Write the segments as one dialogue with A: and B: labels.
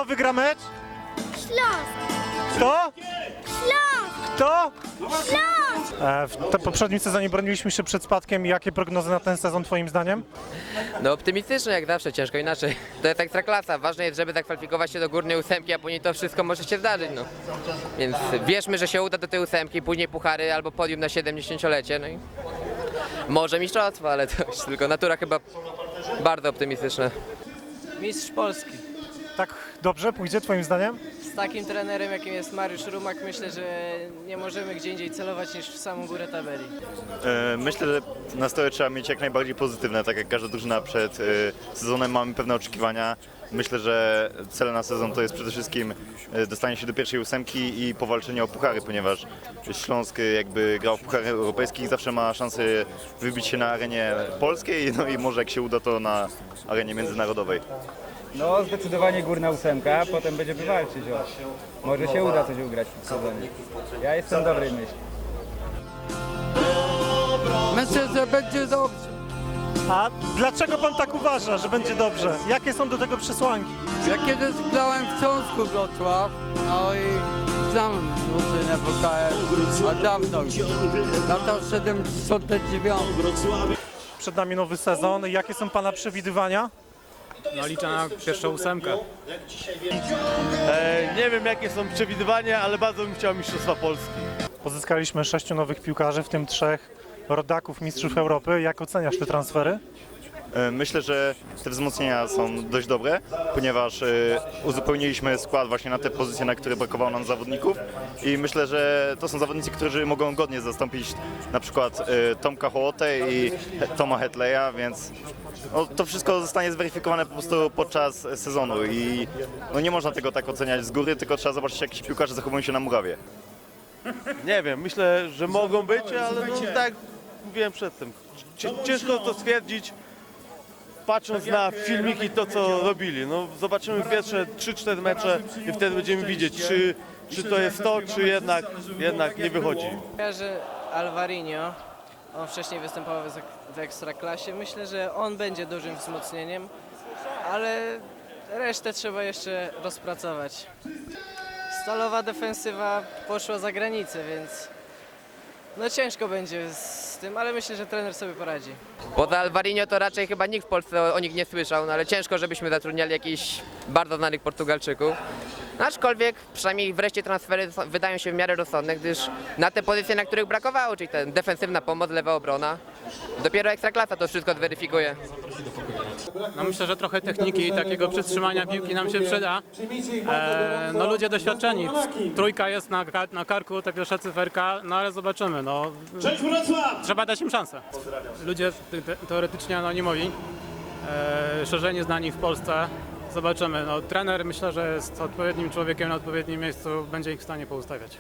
A: Kto wygra mecz?
B: Śląsk!
A: Kto?
B: Śląsk!
A: Kto?
B: Śląsk!
A: W poprzednim sezonie broniliśmy się przed spadkiem. Jakie prognozy na ten sezon twoim zdaniem?
C: No optymistycznie jak zawsze, ciężko inaczej. To jest ekstraklasa, ważne jest, żeby zakwalifikować się do górnej ósemki, a później to wszystko może się zdarzyć, no. Więc wierzmy, że się uda do tej ósemki, później puchary albo podium na 70-lecie, no i może mistrzostwo, ale to już tylko natura chyba bardzo optymistyczna.
D: Mistrz Polski.
A: Tak dobrze pójdzie twoim zdaniem?
D: Z takim trenerem, jakim jest Mariusz Rumak, myślę, że nie możemy gdzie indziej celować niż w samą górę tabeli.
E: Myślę, że nastroje trzeba mieć jak najbardziej pozytywne, tak jak każda drużyna przed sezonem mamy pewne oczekiwania. Myślę, że cel na sezon to jest przede wszystkim dostanie się do pierwszej ósemki i powalczenie o puchary, ponieważ Śląsk jakby grał w pucharach europejskich, zawsze ma szansę wybić się na arenie polskiej, no i może jak się uda to na arenie międzynarodowej.
F: No zdecydowanie górna ósemka, potem będziemy walczyć o... Może się uda coś ugrać w sezonie. Ja jestem dobrej myśli.
G: Myślę, że będzie dobrze.
A: A dlaczego pan tak uważa, że będzie dobrze? Jakie są do tego przesłanki?
G: Ja kiedyś grałem w Śląsku Wrocław, no i znam drużynę WKS, a dawno już, lata 79.
A: Przed nami nowy sezon. Jakie są pana przewidywania?
H: No liczę na pierwszą ósemkę.
I: Nie wiem jakie są przewidywania, ale bardzo bym chciał Mistrzostwa Polski.
A: Pozyskaliśmy 6 nowych piłkarzy, w tym 3 rodaków mistrzów Europy. Jak oceniasz te transfery?
E: Myślę, że te wzmocnienia są dość dobre, ponieważ uzupełniliśmy skład właśnie na te pozycje, na które brakowało nam zawodników i myślę, że to są zawodnicy, którzy mogą godnie zastąpić na przykład Tomka Hołotę i Toma Hetleya, więc no, to wszystko zostanie zweryfikowane po prostu podczas sezonu i no, nie można tego tak oceniać z góry, tylko trzeba zobaczyć, jak ci piłkarze zachowują się na murawie.
I: Nie wiem, myślę, że mogą być, ale no, tak jak mówiłem przedtem, ciężko to stwierdzić. Patrząc na filmiki, to co robili, no zobaczymy pierwsze 3-4 mecze i wtedy będziemy widzieć, czy to jest to, czy jednak nie wychodzi.
D: Kojarzę Alvarinho, on wcześniej występował w Ekstraklasie. Myślę, że on będzie dużym wzmocnieniem, ale resztę trzeba jeszcze rozpracować. Stalowa defensywa poszła za granicę, więc no ciężko będzie z tym, ale myślę, że trener sobie poradzi.
C: Poza Alvarinho to raczej chyba nikt w Polsce o nich nie słyszał, no ale ciężko, żebyśmy zatrudniali jakichś bardzo znanych Portugalczyków. Aczkolwiek przynajmniej wreszcie transfery wydają się w miarę rozsądne, gdyż na te pozycje, na których brakowało, czyli ta defensywna pomoc, lewa obrona, dopiero Ekstraklasa to wszystko zweryfikuje.
H: No myślę, że trochę techniki i takiego przytrzymania piłki nam się przyda. No ludzie doświadczeni. Trójka jest na karku, te pierwsza cyferka, no ale zobaczymy. No, trzeba dać im szansę. Ludzie teoretycznie anonimowi, szerzenie znani w Polsce. Zobaczymy. No, trener myślę, że jest odpowiednim człowiekiem na odpowiednim miejscu, będzie ich w stanie poustawiać.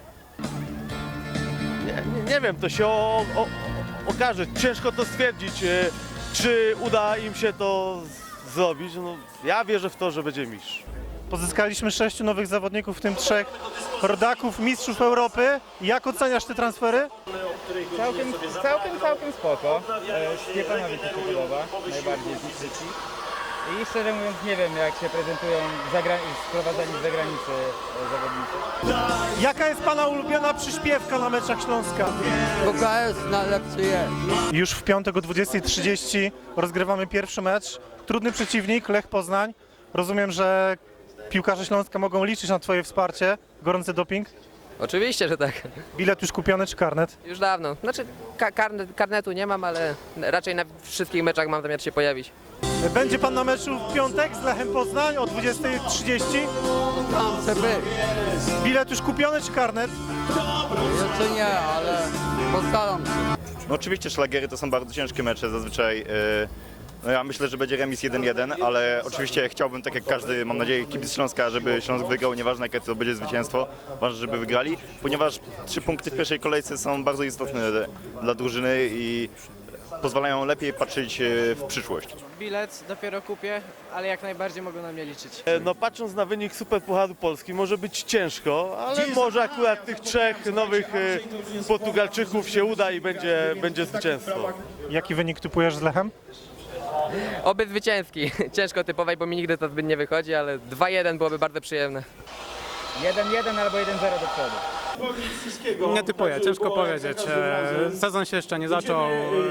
I: Nie wiem, to się okaże. Ciężko to stwierdzić, czy uda im się to zrobić. No, ja wierzę w to, że będzie mistrz.
A: Pozyskaliśmy 6 nowych zawodników, w tym 3 rodaków mistrzów Europy. Jak oceniasz te transfery?
F: Całkiem spoko. Stepanowi się podoba, najbardziej z Niczyci. I szczerze mówiąc nie wiem jak się prezentują sprowadzani z zagranicy zawodnicy.
A: Jaka jest pana ulubiona przyśpiewka na meczach Śląska?
G: WKS najlepszy jest.
A: Już w piątek o 20:30 rozgrywamy pierwszy mecz. Trudny przeciwnik, Lech Poznań. Rozumiem, że piłkarze Śląska mogą liczyć na twoje wsparcie. Gorący doping.
C: Oczywiście, że tak.
A: Bilet już kupiony czy karnet?
C: Już dawno. Znaczy karnetu nie mam, ale raczej na wszystkich meczach mam zamiar się pojawić.
A: Będzie pan na meczu w piątek z Lechem Poznań o 20:30.
G: Tam chce być.
A: Bilet już kupiony czy karnet?
G: Jeszcze nie, ale postaram się.
E: No oczywiście szlagiery to są bardzo ciężkie mecze, zazwyczaj no ja myślę, że będzie remis 1-1, ale oczywiście chciałbym, tak jak każdy, mam nadzieję, kibic Śląska, żeby Śląsk wygrał, nieważne jakie to będzie zwycięstwo, ważne, żeby wygrali, ponieważ 3 punkty w pierwszej kolejce są bardzo istotne dla drużyny i pozwalają lepiej patrzeć w przyszłość.
D: Bilet dopiero kupię, ale jak najbardziej mogą na mnie liczyć.
I: No patrząc na wynik Superpucharu Polski może być ciężko, ale może akurat tych 3 nowych Portugalczyków się uda i będzie zwycięstwo.
A: Jaki wynik typujesz z Lechem?
C: Oby zwycięski. Ciężko typować, bo mi nigdy to zbyt nie wychodzi, ale 2-1 byłoby bardzo przyjemne.
F: 1-1 albo 1-0 do przodu.
H: Nie typuję, ciężko powiedzieć. Sezon się jeszcze nie zaczął.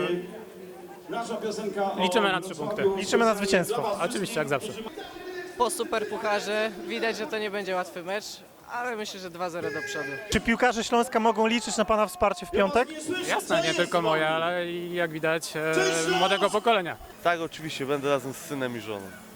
H: Liczymy na 3 punkty.
A: Liczymy na zwycięstwo.
H: Oczywiście, jak zawsze.
D: Po superpucharze widać, że to nie będzie łatwy mecz, ale myślę, że 2-0 do przodu.
A: Czy piłkarze Śląska mogą liczyć na Pana wsparcie w piątek?
H: Jasne, nie tylko moje, ale i jak widać młodego pokolenia.
I: Tak, oczywiście, będę razem z synem i żoną.